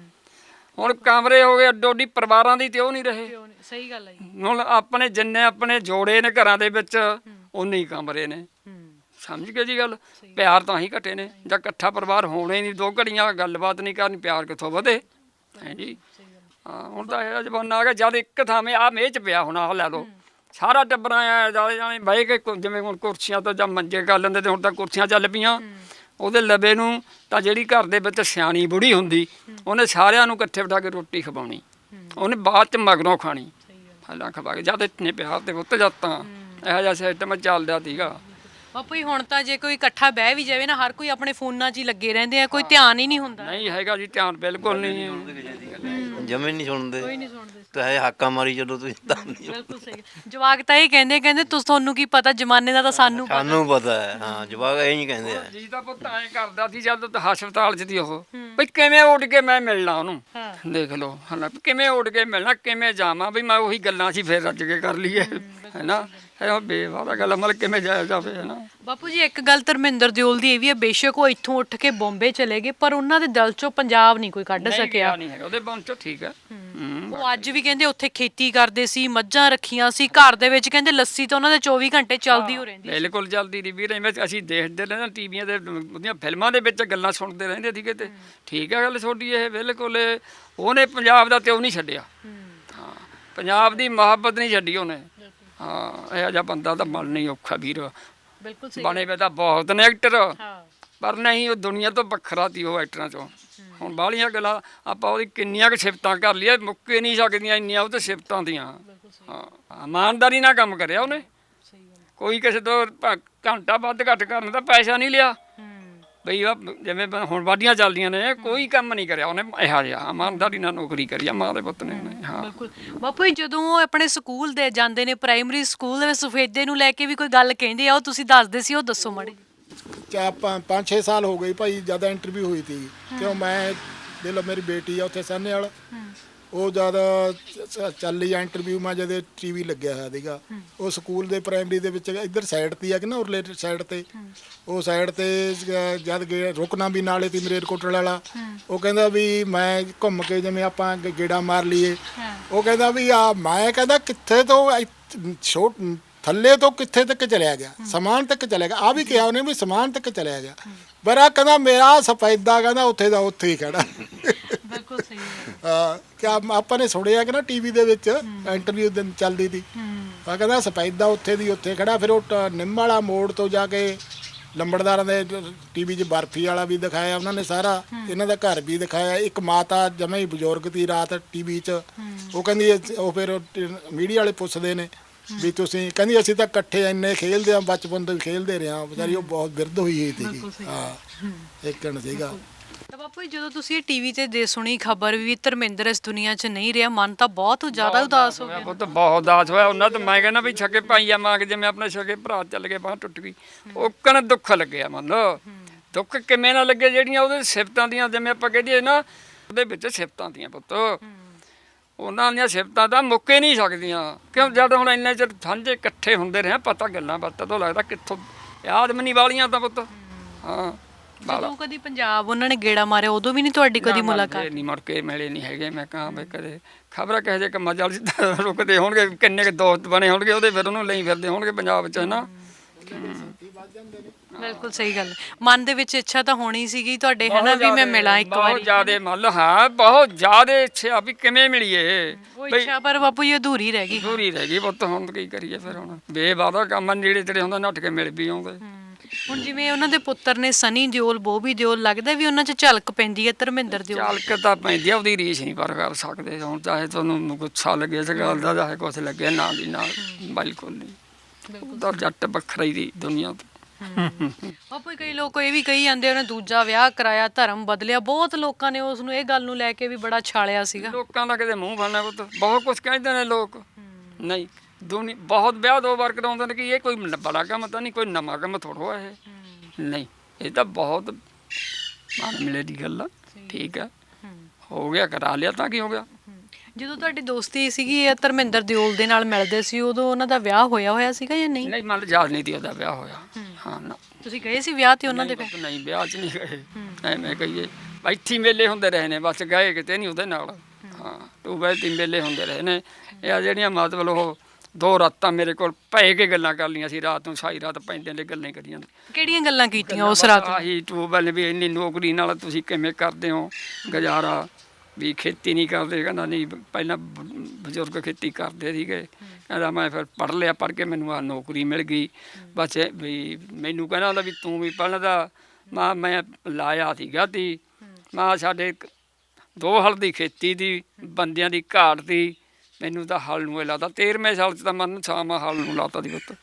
ਹੁਣ ਕਮਰੇ ਹੋ ਗਏ ਅੱਡੋ ਅੱਡੀ, ਪਰਿਵਾਰਾਂ ਦੀ ਤੇ ਉਹ ਨਹੀਂ ਰਹੇ। ਸਹੀ ਗੱਲ ਹੈ ਜੀ। ਹੁਣ ਆਪਣੇ ਜਿੰਨੇ ਆਪਣੇ ਜੋੜੇ ਨੇ ਘਰਾਂ ਦੇ ਵਿੱਚ, ਉਨੇ ਹੀ ਕਮਰੇ ਨੇ। ਸਮਝ ਗਏ ਜੀ ਗੱਲ? ਪਿਆਰ ਤਾਂ ਹੀ ਘਟੇ ਨੇ। ਜਾਂ ਇਕੱਠਾ ਪਰਿਵਾਰ ਹੋਣੇ ਨਹੀਂ, ਦੋ ਘੜੀਆਂ ਗੱਲਬਾਤ ਨਹੀਂ ਕਰਨੀ, ਪਿਆਰ ਕਿੱਥੋਂ ਵਧੇ ਹੈ ਜੀ। ਹਾਂ, ਹੁਣ ਤਾਂ ਇਹ ਜ਼ਮਾਨਾ ਆ ਗਿਆ ਜਦ ਇੱਕ ਥਾਵੇਂ ਆ ਮੇਜ਼ 'ਚ ਪਿਆ, ਹੁਣ ਆਹ ਲੈ ਲਓ ਸਾਰਾ ਟੱਬਰਾਂ ਆ ਜਾਲੇ ਜਾਣੇ ਬਹਿ ਕੇ, ਕੁ- ਜਿਵੇਂ ਹੁਣ ਕੁਰਸੀਆਂ ਤੋਂ ਜਾਂ ਮੰਜੇ ਕਰ ਲੈਂਦੇ, ਤੇ ਹੁਣ ਤਾਂ ਕੁਰਸੀਆਂ ਚੱਲ ਪਈਆਂ। ਉਹਦੇ ਲਵੇ ਨੂੰ ਤਾਂ ਜਿਹੜੀ ਘਰ ਦੇ ਵਿੱਚ ਸਿਆਣੀ ਬੁੜੀ ਹੁੰਦੀ, ਉਹਨੇ ਸਾਰਿਆਂ ਨੂੰ ਇਕੱਠੇ ਬਿਠਾ ਕੇ ਰੋਟੀ ਖਵਾਉਣੀ, ਉਹਨੇ ਬਾਅਦ 'ਚ ਮਗਰੋਂ ਖਾਣੀ। ਪਹਿਲਾਂ ਖਵਾ ਕੇ ਜਦ ਇਤਨੇ ਪਿਆਰ ਤੇ ਪੁੱਤ ਜਦ ਤਾਂ ਇਹੋ ਜਿਹਾ ਸਿਸਟਮ ਚੱਲਦਾ ਸੀਗਾ। ਬਾਪੂ ਜੀ ਹੁਣ ਤਾਂ ਜੇ ਕੋਈ ਇਕੱਠਾ ਬਹਿ ਵੀ ਜਾਵੇ ਨਾ, ਹਰ ਕੋਈ ਆਪਣੇ ਫੋਨਾਂ 'ਚ ਹੀ ਲੱਗੇ ਰਹਿੰਦੇ ਆ, ਕੋਈ ਧਿਆਨ ਹੀ ਨਹੀਂ ਹੁੰਦਾ। ਨਹੀਂ ਹੈਗਾ ਜੀ ਧਿਆਨ, ਬਿਲਕੁਲ ਨਹੀਂ। ਜਮੇ ਨਹੀਂ ਸੁਣਦੇ, ਕੋਈ ਨਹੀਂ ਸੁਣਦੇ। ਤੇ ਹੈ ਹਾਕਾ ਮਾਰੀ ਜਦੋਂ ਤੁਸੀਂ ਤਾਂ ਨਹੀਂ। ਬਿਲਕੁਲ ਸਹੀ। ਜਵਾਕ ਤਾਂ ਇਹ ਕਹਿੰਦੇ ਕਹਿੰਦੇ ਤੁਸੀਂ ਤੁਹਾਨੂੰ ਕੀ ਪਤਾ, ਜ਼ਮਾਨੇ ਦਾ ਤਾਂ ਸਾਨੂੰ ਪਤਾ। ਸਾਨੂੰ ਪਤਾ ਹੈ। ਹਾਂ, ਜਵਾਕ ਇਹ ਨਹੀਂ ਕਹਿੰਦੇ ਆ। ਜੀ ਤਾਂ ਪੁੱਤ ਐਂ ਕਰਦਾ ਸੀ ਜਦ ਤਾਂ ਹਸਪਤਾਲ 'ਚ ਦੀ ਉਹ, ਬਈ ਕਿਵੇਂ ਉੱਡ ਕੇ ਮੈਂ ਮਿਲਣਾ ਉਹਨੂੰ। ਦੇਖ ਲਓ ਹਨਾ, ਕਿਵੇਂ ਉੱਡ ਕੇ ਮਿਲਣਾ, ਕਿਵੇਂ ਜਾਵਾਂ, ਬਈ ਮੈਂ ਉਹੀ ਗੱਲਾਂ ਸੀ ਫਿਰ ਰੱਜ ਕੇ ਕਰ ਲਈਏ, ਹੈ ਨਾ। ਇਹ ਬੇਵਾਦਾ ਗੱਲ ਮਤਲਬ ਕਿਵੇਂ ਜਾਇਆ ਜਾਵੇ, ਹੈ ਨਾ। ਬਾਪੂ ਜੀ ਇੱਕ ਗੱਲ ਧਰਮਿੰਦਰ ਦਿਓਲ ਦੀ ਇਹ ਵੀ ਹੈ, ਬੇਸ਼ੱਕ ਉਹ ਇੱਥੋਂ ਉੱਠ ਕੇ ਬੰਬੇ ਚਲੇ ਗਏ, ਪਰ ਉਹਨਾਂ ਦੇ ਦਿਲ 'ਚੋਂ ਪੰਜਾਬ ਨਹੀਂ ਕੋਈ ਕੱਢ ਸਕਿਆ। ਨਹੀਂ ਹੈਗਾ ਉਹਦੇ ਮਨ 'ਚੋਂ, ਠੀਕ ਹੈ। ਉਹ ਅੱਜ ਵੀ ਕਹਿੰਦੇ ਉੱਥੇ ਖੇਤੀ ਕਰਦੇ ਸੀ, ਮੱਝਾਂ ਰੱਖੀਆਂ ਸੀ, ਘਰ ਦੇ ਵਿੱਚ ਕਹਿੰਦੇ ਲੱਸੀ ਤਾਂ ਉਹਨਾਂ ਦੇ ਚੌਵੀ ਘੰਟੇ ਚੱਲਦੀ ਹੋ ਰਹਿੰਦੀ। ਬਿਲਕੁਲ ਚੱਲਦੀ ਦੀ ਵੀਰ, ਐਵੇਂ ਅਸੀਂ ਦੇਖਦੇ ਰਹਿੰਦੇ ਟੀਵੀਆਂ ਦੇ, ਉਹਦੀਆਂ ਫਿਲਮਾਂ ਦੇ ਵਿੱਚ ਗੱਲਾਂ ਸੁਣਦੇ ਰਹਿੰਦੇ ਸੀਗੇ। ਤੇ ਠੀਕ ਹੈ ਗੱਲ ਤੁਹਾਡੀ ਇਹ, ਬਿਲਕੁਲ ਉਹਨੇ ਪੰਜਾਬ ਦਾ ਤਿਉ ਨਹੀਂ ਛੱਡਿਆ। ਹਾਂ, ਪੰਜਾਬ ਦੀ ਮੁਹੱਬਤ ਨਹੀਂ ਛੱਡੀ ਉਹਨੇ। ਹਾਂ, ਇਹੋ ਜਿਹਾ ਬੰਦਾ ਤਾਂ ਬਣਨਾ ਹੀ ਔਖਾ ਵੀਰ। ਬਿਲਕੁਲ ਸਹੀ। ਬਣੇ ਵੇ ਤਾਂ ਬਹੁਤ ਨੇ ਐਕਟਰ, ਪਰ ਨਹੀਂ ਉਹ ਦੁਨੀਆ ਤੋਂ ਵੱਖਰਾ ਸੀ ਉਹ ਐਕਟਰਾਂ 'ਚੋਂ। ਹੁਣ ਬਾਹਲੀਆਂ ਗੱਲਾਂ ਆਪਾਂ ਉਹਦੀ ਕਿੰਨੀਆਂ ਕੁ ਸਿਫਤਾਂ ਕਰ ਲਈਏ, ਮੁੱਕੇ ਨਹੀਂ ਸਕਦੀਆਂ ਇੰਨੀਆਂ ਉਹ ਤੇ ਸਿਫਤਾਂ ਦੀਆਂ। ਹਾਂ, ਇਮਾਨਦਾਰੀ ਨਾਲ ਕੰਮ ਕਰਿਆ ਉਹਨੇ, ਕੋਈ ਕਿਸੇ ਤੋਂ ਭ- ਘੰਟਾ ਵੱਧ ਘੱਟ ਕਰਨ ਦਾ ਪੈਸਾ ਨਹੀਂ ਲਿਆ। ਬਈ ਉਹ ਜਿਵੇਂ ਹੁਣ ਵਾਢੀਆਂ ਚੱਲਦੀਆਂ ਨੇ, ਕੋਈ ਕੰਮ ਨਹੀਂ ਕਰਿਆ ਉਹਨੇ ਇਹੋ ਜਿਹਾ, ਇਮਾਨਦਾਰੀ ਨਾਲ ਨੌਕਰੀ ਕਰੀ ਆ ਮਾਂ ਦੇ ਪੁੱਤ ਨੇ ਉਹਨੇ। ਹਾਂ ਬਿਲਕੁਲ ਬਾਪੂ ਜੀ, ਜਦੋਂ ਉਹ ਆਪਣੇ ਸਕੂਲ ਦੇ ਜਾਂਦੇ ਨੇ, ਪ੍ਰਾਇਮਰੀ ਸਕੂਲ ਦੇ ਵਿੱਚ ਸਫੇਦੇ ਨੂੰ ਲੈ ਕੇ ਵੀ ਕੋਈ ਗੱਲ ਕਹਿੰਦੇ ਆ, ਉਹ ਤੁਸੀਂ ਦੱਸਦੇ ਸੀ, ਉਹ ਦੱਸੋ ਮਾੜੀ। ਚਾ ਪੰਜ ਛੇ ਸਾਲ ਹੋ ਗਏ ਭਾਈ, ਜਿਆਦਾ ਇੰਟਰਵਿਊ ਹੋਈ ਸੀ। ਕਿਉਂ ਮੈਂ ਦੇ ਲੋ ਮੇਰੀ ਬੇਟੀ ਆ ਉੱਥੇ ਸਾਹਨੇਵਾਲ, ਉਹ ਜਦ ਚ- ਚੱਲੀ ਆ ਇੰਟਰਵਿਊ ਮੈਂ ਜਦ ਟੀਵੀ ਲੱਗਿਆ ਹੋਇਆ ਸੀਗਾ ਉਹ ਸਕੂਲ ਦੇ ਪ੍ਰਾਇਮਰੀ ਦੇ ਵਿੱਚ ਇੱਧਰ ਸਾਈਡ ਤੇ ਆ ਕਿ ਨਾ ਉਰਲੇ ਸਾਈਡ ਤੇ ਉਹ ਸਾਈਡ ਤੇ ਜ- ਜਦ ਗਏ ਰੁਕਣਾ ਵੀ ਨਾਲੇ ਤੀ ਮਰੇਰਕੋਟਲ ਵਾਲਾ ਉਹ ਕਹਿੰਦਾ ਵੀ ਮੈਂ ਘੁੰਮ ਕੇ ਜਿਵੇਂ ਆਪਾਂ ਗੇ- ਗੇੜਾ ਮਾਰ ਲਈਏ ਉਹ ਕਹਿੰਦਾ ਵੀ ਆ ਮੈਂ ਕਹਿੰਦਾ ਕਿੱਥੇ ਤੋਂ ਇੱਥ- ਛੋਟ ਥੱਲੇ ਤੋਂ ਕਿੱਥੇ ਤੱਕ ਚਲਿਆ ਗਿਆ ਸਮਾਨ ਤੱਕ ਚਲਿਆ ਗਿਆ ਆ ਵੀ ਕਿਹਾ ਉਹਨੇ ਵੀ ਸਮਾਨ ਤੱਕ ਚਲਿਆ ਗਿਆ ਬੜਾ ਕਹਿੰਦਾ ਮੇਰਾ ਸਫੈਦਾ ਕਹਿੰਦਾ ਉੱਥੇ ਦਾ ਉੱਥੇ ਹੀ ਖੜਾ ਬਿਲਕੁਲ ਸਹੀ ਹੈ। ਹਾਂ ਕਿ ਆਪਾਂ ਨੇ ਸੁਣਿਆ ਕਿ ਨਾ ਟੀਵੀ ਦੇ ਵਿੱਚ ਇੰਟਰਵਿਊ ਦਿਨ ਚੱਲਦੀ ਸੀ ਆ ਕਹਿੰਦਾ ਸਫੈਦਾ ਉੱਥੇ ਦੀ ਉੱਥੇ ਖੜਾ ਫਿਰ ਉਹ ਟ- ਨਿੰਮ ਵਾਲਾ ਮੋੜ ਤੋਂ ਜਾ ਕੇ ਲੰਬੜਦਾਰਾਂ ਦੇ ਟੀਵੀ 'ਚ ਬਰਫੀ ਵਾਲਾ ਵੀ ਦਿਖਾਇਆ ਉਹਨਾਂ ਨੇ ਸਾਰਾ ਇਹਨਾਂ ਦਾ ਘਰ ਵੀ ਦਿਖਾਇਆ ਇੱਕ ਮਾਤਾ ਜਮੇ ਹੀ ਬਜ਼ੁਰਗ ਦੀ ਰਾਤ ਟੀਵੀ 'ਚ ਉਹ ਕਹਿੰਦੀ ਇਹ- ਉਹ ਫਿਰ ਮੀਡੀਆ ਵਾਲੇ ਪੁੱਛਦੇ ਨੇ ਵੀ ਤੁਸੀਂ ਕਹਿੰਦੀ ਅਸੀਂ ਤਾਂ ਇਕੱਠੇ ਇੰਨੇ ਖੇਲਦੇ ਆ ਬਚਪਨ ਤੋਂ ਹੀ ਖੇਲਦੇ ਰਹੇ ਆ ਵਿਚਾਰੀ ਉਹ ਬਹੁਤ ਬਿਰਧ ਹੋਈ ਹੋਈ ਸੀਗੀ ਹਾਂ ਇੱਕਣ ਸੀਗਾ ਤਾਂ ਬਾਪੂ ਜੀ, ਜਦੋਂ ਤੁਸੀਂ ਇਹ ਟੀਵੀ ਤੇ ਦੇ ਸੁਣੀ ਖਬਰ ਵੀ ਧਰਮਿੰਦਰ ਇਸ ਦੁਨੀਆ 'ਚ ਨਹੀਂ ਰਿਹਾ ਮਨ ਤਾਂ ਬਹੁਤ ਜ਼ਿਆਦਾ ਉਦਾਸ ਹੋ ਗਿਆ। ਉਹ ਤਾਂ ਬਹੁਤ ਉਦਾਸ ਹੋਇਆ ਉਹਨਾਂ ਤਾਂ ਮੈਂ ਕਹਿੰਦਾ ਵੀ ਛਕੇ ਭਾਈਆ ਮਾਂ ਕੇ ਜਿਵੇਂ ਆਪਣੇ ਛਕੇ ਭਰਾ ਚੱਲ ਗਏ ਬਾਂਹ ਟੁੱਟ ਗਈ ਉਹ ਕਣ ਦੁੱਖ ਲੱਗਿਆ ਮੰਨ ਲਓ ਦੁੱਖ ਕਿਵੇਂ ਨਾ ਲੱਗੇ ਜਿਹੜੀਆਂ ਉਹਦੇ ਸਿਫਤਾਂ ਦੀਆਂ ਜਿਵੇਂ ਆਪਾਂ ਕਹਦੇ ਨਾ ਉਹਦੇ ਵਿੱਚ ਸਿਫਤਾਂ ਦੀਆਂ ਪੁੱਤ ਉਹਨਾਂ ਦੀਆਂ ਸਿਫਤਾਂ ਤਾਂ ਮੁੱਕੇ ਨਹੀਂ ਸਕਦੀਆਂ ਕਿਉਂ ਜਦ ਹੁਣ ਇੰਨੇ ਚਿਰ ਸਾਂਝੇ ਇਕੱਠੇ ਹੁੰਦੇ ਰਹੇ ਪਤਾ ਗੱਲਾਂ ਬਾਤਾਂ ਤੋਂ ਲੱਗਦਾ ਕਿੱਥੋਂ ਯਾਦ ਮਨੀ ਵਾਲੀਆਂ ਤਾਂ ਪੁੱਤ ਹਾਂ ਜਦੋਂ ਕਦੀ ਪੰਜਾਬ ਉਹਨਾਂ ਨੇ ਗੇੜਾ ਮਾਰਿਆ ਉਦੋਂ ਵੀ ਨਹੀਂ ਤੁਹਾਡੀ ਕਦੀ ਮੁਲਾਕਾਤ? ਨਹੀਂ ਮੁੜ ਕੇ ਮਿਲੇ ਨਹੀਂ ਹੈਗੇ ਮੈਂ ਕਹਾਂ ਵੀ ਕਦੇ ਖਬਰਾਂ ਕਹੇ ਜੇ ਕੰਮਾਂ ਚੱਲ ਰੁਕਦੇ ਹੋਣਗੇ ਕਿੰਨੇ ਕੁ ਦੋਸਤ ਬਣੇ ਹੋਣਗੇ ਉਹਦੇ ਫਿਰ ਉਹਨੂੰ ਲਈ ਫਿਰਦੇ ਹੋਣਗੇ ਪੰਜਾਬ 'ਚ ਨਾ ਬਿਲਕੁਲ ਸਹੀ ਗੱਲ ਹੈ। ਮਨ ਦੇ ਵਿੱਚ ਇੱਛਾ ਤਾਂ ਹੋਣੀ ਸੀਗੀ ਤੁਹਾਡੇ ਹੈ ਨਾ ਵੀ ਮੈਂ ਮਿਲਾਂ ਇੱਕ ਬਹੁਤ ਵਾਰੀ ਜ਼ਿਆਦੇ ਮੰਨ ਲਓ ਹਾਂ ਬਹੁਤ ਜ਼ਿਆਦੇ ਇੱਛਾ ਵੀ ਕਿਵੇਂ ਮਿਲੀਏ ਉਹ ਇੱਛਾ ਪਰ ਬਾਪੂ ਜੀ ਅਧੂਰੀ ਰਹਿ ਗਈ। ਦੂਰੀ ਰਹਿ ਗਈ ਪੁੱਤ ਹੁਣ ਕੀ ਕਰੀਏ ਫਿਰ ਹੁਣ ਬੇਵਾਦਾ ਕੰਮ ਆ, ਨੇੜੇ ਤੇੜੇ ਹੁੰਦਾ ਨੱਠ ਕੇ ਮਿਲ ਵੀ ਆਉਂਦੇ ਹੁਣ ਜਿਵੇਂ ਉਹਨਾਂ ਦੇ ਪੁੱਤਰ ਨੇ ਸਨੀ ਦਿਓਲ ਬੋਬੀ ਦਿਓਲ ਲੱਗਦਾ ਵੀ ਉਹਨਾਂ 'ਚ ਝਲਕ ਪੈਂਦੀ ਹੈ ਧਰਮਿੰਦਰ ਦਿਓਲ ਚਾਲਕ ਤਾਂ ਪੈਂਦੀ ਆ ਉਹਦੀ ਰੀਸ ਨਹੀਂ ਪਰ ਕਰ ਸਕਦੇ ਹੁਣ ਚਾਹੇ ਤੁਹਾਨੂੰ ਗੁੱਸਾ ਲੱਗੇ ਇਸ ਗੱਲ ਦਾ ਚਾਹੇ ਕੁਛ ਲੱਗੇ ਨਾ ਦੀ ਨਾਲ ਬਿਲਕੁਲ ਨਹੀਂ ਉਹਦਾ ਜੱਟ ਵੱਖਰਾ ਹੀ ਦੀ ਦੁਨੀਆ ਤੋਂ ਬਾਪੂ ਜੀ, ਕਈ ਲੋਕ ਇਹ ਵੀ ਕਹੀ ਜਾਂਦੇ ਉਹਨੇ ਦੂਜਾ ਵਿਆਹ ਕਰਾਇਆ ਧਰਮ ਬਦਲਿਆ ਬਹੁਤ ਲੋਕਾਂ ਨੇ ਉਸ ਨੂੰ ਇਹ ਗੱਲ ਨੂੰ ਲੈ ਕੇ ਵੀ ਬੜਾ ਛਾਲਿਆ ਸੀਗਾ। ਲੋਕਾਂ ਦਾ ਕਿਤੇ ਮੂੰਹ ਫੜਨਾ ਪੁੱਤ ਬਹੁਤ ਕੁਝ ਕਹਿੰਦੇ ਨੇ ਲੋਕ ਨਹੀਂ ਦੁਨੀ ਬਹੁਤ ਵਿਆਹ ਦੋ ਵਾਰ ਕਰਾਉਂਦੇ ਨੇ ਕਿ ਇਹ ਕੋਈ ਨ- ਬੜਾ ਕੰਮ ਤਾਂ ਨਹੀਂ ਕੋਈ ਨਵਾਂ ਕੰਮ ਥੋੜੋ ਇਹ ਨਹੀਂ ਇਹ ਤਾਂ ਬਹੁਤ ਮਨ ਮਿਲੇ ਦੀ ਗੱਲ ਆ ਠੀਕ ਆ ਹੋ ਗਿਆ ਕਰਾ ਲਿਆ ਤਾਂ ਕੀ ਹੋ ਗਿਆ ਜਦੋਂ ਤੁਹਾਡੀ ਦੋਸਤੀ ਸੀਗੀ ਇਹ ਧਰਮਿੰਦਰ ਦਿਓਲ ਦੇ ਨਾਲ ਮਿਲਦੇ ਸੀ ਉਦੋਂ ਉਹਨਾਂ ਦਾ ਵਿਆਹ ਹੋਇਆ ਹੋਇਆ ਸੀਗਾ ਜਾਂ ਨਹੀਂ? ਨਹੀਂ ਮਨ ਯਾਦ ਨਹੀਂ ਤੀ ਉਹਦਾ ਵਿਆਹ ਹੋਇਆ ਹਾਂ ਨਾ ਤੁਸੀਂ ਗਏ ਸੀ ਵਿਆਹ ਤੇ ਉਹਨਾਂ ਦੇ ਨਹੀਂ ਪੁੱਤ, ਨਹੀਂ ਵਿਆਹ 'ਚ ਨਹੀਂ ਗਏ ਐਵੇਂ ਕਹੀਏ ਇੱਥੇ ਹੀ ਮੇਲੇ ਹੁੰਦੇ ਰਹੇ ਨੇ ਬਸ ਗਏ ਕਿਤੇ ਨਹੀਂ ਉਹਦੇ ਨਾਲ ਹਾਂ ਟੂਬੈਲ ਤੇ ਮੇਲੇ ਹੁੰਦੇ ਰਹੇ ਨੇ ਇਹ ਆ ਜਿਹੜੀਆਂ ਮਤਲਬ ਉਹ ਦੋ ਰਾਤਾਂ ਮੇਰੇ ਕੋਲ ਪੈ ਕੇ ਗੱਲਾਂ ਕਰ ਲਈਆਂ ਸੀ ਰਾਤ ਨੂੰ ਸਾਰੀ ਰਾਤ ਪੈਂਦੇ ਨੇ ਗੱਲਾਂ ਹੀ ਕਰੀਆਂ ਨੇ ਕਿਹੜੀਆਂ ਗੱਲਾਂ ਕੀਤੀਆਂ ਉਸ ਰਾਤ? ਆਹੀ ਟੂਬੈਲ ਵੀ ਇੰਨੀ ਨੌਕਰੀ ਨਾਲ ਤੁਸੀਂ ਕਿਵੇਂ ਕਰਦੇ ਹੋ ਗੁਜ਼ਾਰਾ ਵੀ ਖੇਤੀ ਨਹੀਂ ਕਰਦੇ ਕਹਿੰਦਾ ਨਹੀਂ ਪਹਿਲਾਂ ਬ- ਬਜ਼ੁਰਗ ਖੇਤੀ ਕਰਦੇ ਸੀਗੇ ਕਹਿੰਦਾ ਮੈਂ ਫਿਰ ਪੜ੍ਹ ਲਿਆ ਪੜ੍ਹ ਕੇ ਮੈਨੂੰ ਆ ਨੌਕਰੀ ਮਿਲ ਗਈ ਬਸ ਇਹ ਵੀ ਮੈਨੂੰ ਕਹਿੰਦਾ ਹੁੰਦਾ ਵੀ ਤੂੰ ਵੀ ਪੜ੍ਹਦਾ ਮਾਂ ਮੈਂ ਲਾਇਆ ਸੀਗਾ ਤੀ ਮਾਂ ਸਾਡੇ ਇੱਕ- ਦੋ ਹਲ ਦੀ ਖੇਤੀ ਦੀ ਬੰਦਿਆਂ ਦੀ ਘਾਟ ਦੀ ਮੈਨੂੰ ਤਾਂ ਹਲ ਨੂੰ ਇਹ ਲਾਤਾ ਤੇਰਵੇਂ ਸਾਲ 'ਚ ਤਾਂ ਮਨ ਛਾਵਾਂ ਹਲ ਨੂੰ ਲਾਤਾ ਦੀ ਪੁੱਤ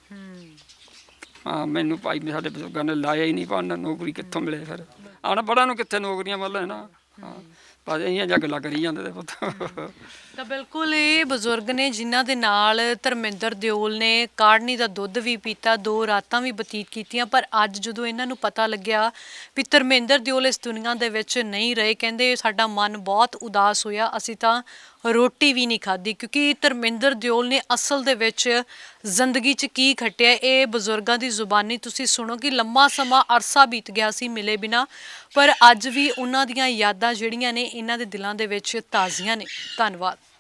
ਹਾਂ ਮੈਨੂੰ ਭਾਈ ਸਾਡੇ ਬਜ਼ੁਰਗਾਂ ਨੇ ਲਾਇਆ ਹੀ ਨਹੀਂ ਪੜ੍ਹਨ ਨੌਕਰੀ ਕਿੱਥੋਂ ਮਿਲੇ ਫਿਰ ਅਨਪੜ੍ਹਾਂ ਨੂੰ ਕਿੱਥੇ ਨੌਕਰੀਆਂ ਮਿਲਣ ਨਾ ਹਾਂ ਬਸ ਇਹੀਆਂ ਜਿਹਾ ਗੱਲਾਂ ਕਰੀ ਜਾਂਦੇ ਤੇ ਪੁੱਤ ਤਾਂ ਬਿਲਕੁਲ ਇਹ ਬਜ਼ੁਰਗ ਨੇ ਜਿਨ੍ਹਾਂ ਦੇ ਨਾਲ ਧਰਮਿੰਦਰ ਦਿਓਲ ਨੇ ਕਾੜਨੀ ਦਾ ਦੁੱਧ ਵੀ ਪੀਤਾ ਦੋ ਰਾਤਾਂ ਵੀ ਬਤੀਤ ਕੀਤੀਆਂ ਪਰ ਅੱਜ ਜਦੋਂ ਇਹਨਾਂ ਨੂੰ ਪਤਾ ਲੱਗਿਆ ਵੀ ਧਰਮਿੰਦਰ ਦਿਓਲ ਇਸ ਦੁਨੀਆ ਦੇ ਵਿੱਚ ਨਹੀਂ ਰਹੇ ਕਹਿੰਦੇ ਸਾਡਾ ਮਨ ਬਹੁਤ ਉਦਾਸ ਹੋਇਆ ਅਸੀਂ ਤਾਂ ਰੋਟੀ ਵੀ ਨਹੀਂ ਖਾਧੀ ਕਿਉਂਕਿ ਧਰਮਿੰਦਰ ਦਿਓਲ ਨੇ ਅਸਲ ਦੇ ਵਿੱਚ ਜ਼ਿੰਦਗੀ 'ਚ ਕੀ ਖੱਟਿਆ ਇਹ ਬਜ਼ੁਰਗਾਂ ਦੀ ਜ਼ੁਬਾਨੀ ਤੁਸੀਂ ਸੁਣੋ ਕਿ ਲੰਮਾ ਸਮਾਂ ਅਰਸਾ ਬੀਤ ਗਿਆ ਸੀ ਮਿਲੇ ਬਿਨਾ ਪਰ ਅੱਜ ਵੀ ਉਹਨਾਂ ਦੀਆਂ ਯਾਦਾਂ ਜਿਹੜੀਆਂ ਨੇ ਇਹਨਾਂ ਦੇ ਦਿਲਾਂ ਦੇ ਵਿੱਚ ਤਾਜ਼ੀਆਂ ਨੇ। ਧੰਨਵਾਦ।